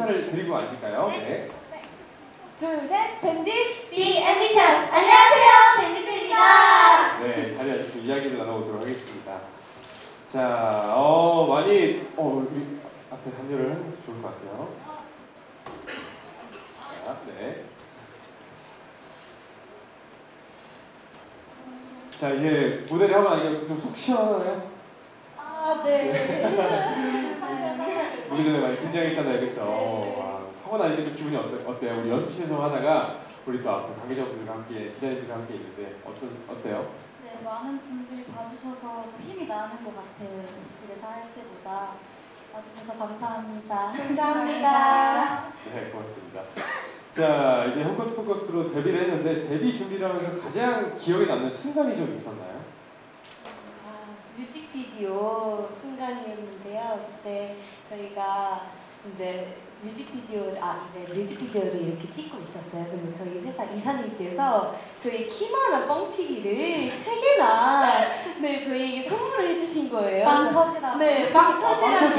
인사를 드리고 앉을까요? 네. 둘, 셋, 밴딧 Be Ambitious! 안녕하세요, 밴디트입니다. 네, 자리에 앉고 이야기를 나눠보도록 하겠습니다. 자, 많이 우리 앞에 합류를 하는 것도 좋을 것 같아요. 자, 네. 자, 이제 무대를 하고 나니까 좀 속 시원하나요? 아, 네. 무대 전에 많이 긴장했잖아요, 그렇죠? 하고 나니까 좀 기분이 어때요? 우리 연습실에서 하다가 우리 또 앞에 관계자분들과 함께, 기자님들과 함께 있는데 어때요? 네, 많은 분들이 봐주셔서 더 힘이 나는 것 같아요. 연습실에서 할 때보다. 와주셔서 감사합니다. 감사합니다. 네, 고맙습니다. 자, 이제 헝커스 포커스로 데뷔를 했는데 데뷔 준비를 하면서 가장 기억에 남는 순간이 좀 있었나요? 뮤직비디오 순간이었는데요. 그때 저희가 이제 뮤직비디오를 이렇게 찍고 있었어요. 근데 저희 회사 이사님께서 저희 키만한 뻥튀기를 3개나 저희에게 선물을 해주신 거예요. 빵 터지라고. 네, 빵 터지라고.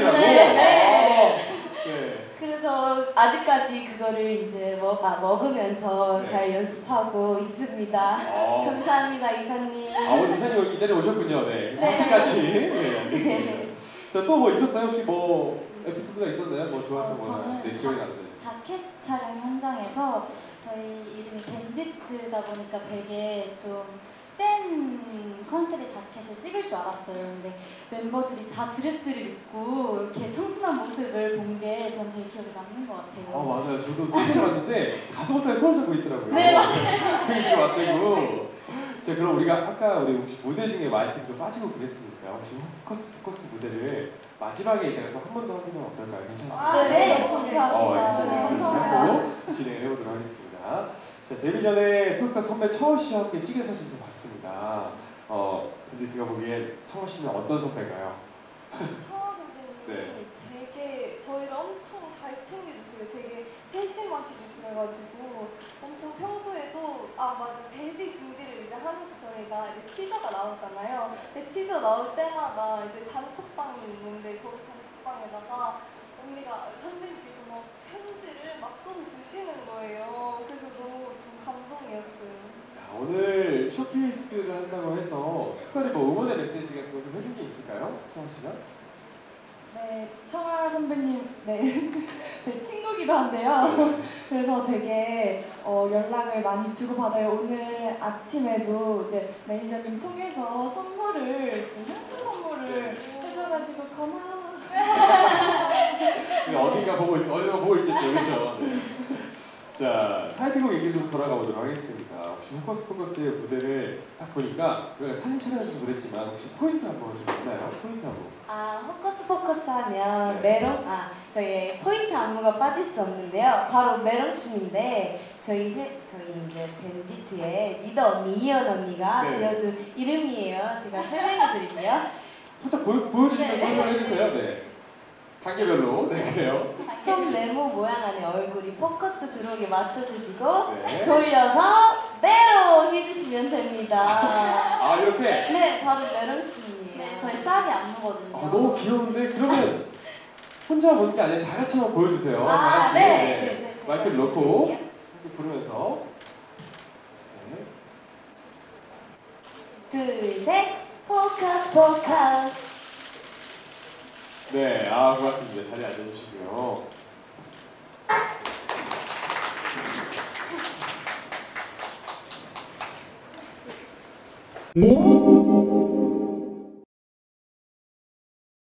네. 그래서 아직까지 그거를 이제 먹으면서 네. 잘 연습하고 있습니다. 감사합니다, 이사님. 오늘 이사님 여기 이 자리에 오셨군요. 네. 함께같이. 네. 자, 또 뭐 있었어요? 혹시 뭐 에피소드가 있었나요? 뭐 좋았던 거나 기억에 남는. 자켓 촬영 현장에서 저희 이름이 밴디트다 보니까 되게 좀 센 컨셉의 자켓을 찍을 줄 알았어요. 근데 멤버들이 다 드레스를 입고 이렇게 청순한 모습을 본 게 전 되게 기억에 남는 것 같아요. 맞아요. 저도 사진을 봤는데 가수부터 손을 잡고 있더라고요. 네, 맞아요. 되게 왔대고. 자, 그럼 우리가 아까 우리 혹시 무대 중에 마이크 좀 빠지고 그랬으니까 혹시 포커스 무대를 마지막에 이따가 또 한 번 더 하는 건 어떨까요? 괜찮아요? 네, 감사합니다. 알겠습니다. 감사합니다. 진행을 해보도록 하겠습니다. 자, 데뷔 전에 소속사 선배 청원 씨와 함께 찍은 사진도 봤습니다. 밴디트가 보기에 청원 씨는 어떤 선배인가요? 청아 선배님이 네. 되게 저희를 엄청 잘 챙겨주세요. 되게 세심하시고 그래가지고 엄청 평소에도 맞아, 데뷔 준비를 이제 하면서 저희가 이제 티저가 나오잖아요. 근데 티저 나올 때마다 이제 단톡방이 있는데 거기 단톡방에다가 선배님께서 막 편지를 막 써서 주시는 거예요. 그래서 너무 좀 감동이었어요. 오늘 쇼케이스를 한다고 해서 특별히 뭐 응원의 메시지 같은 거 좀 해준 게 있을까요? 청원 씨가? 네, 청아 선배님, 제 친구기도 한데요. 그래서 되게 연락을 많이 주고받아요. 오늘 아침에도 이제 매니저님 통해서 향수 선물을 해줘가지고 고마워. 어딘가 보고 있겠죠, 그렇죠? 네. 자, 타이틀곡 얘기 좀 돌아가 보도록 하겠습니다. 혹시 포커스의 무대를 딱 보니까 우리가 사진 촬영에서도 그랬지만 혹시 포인트 한번 좀 있나요? 포인트 한번. 포커스 하면 네. 저희 포인트 안무가 빠질 수 없는데요. 바로 메론춤인데 저희 이제 밴디트의 리더 언니 이현 언니가 지어준 이름이에요. 제가 설명해 드릴게요. 살짝 보여주시면서 설명해 주세요. 네. 단계별로. 네, 그래요. 손 네모 모양 안에 얼굴이 포커스 들어오게 맞춰주시고 네. 돌려서 메론 해주시면 됩니다. 이렇게? 네, 바로 메론춤이에요. 네, 저희 쌀이 안무거든요. 너무 귀여운데 그러면 혼자 보는 게 아니라 다 같이 한번 보여주세요. 다 같이. 네. 마이크를 넣고 이렇게 부르면서. 네. 둘, 셋, 포커스. 네, 고맙습니다. 자리에 앉아주시고요. 음.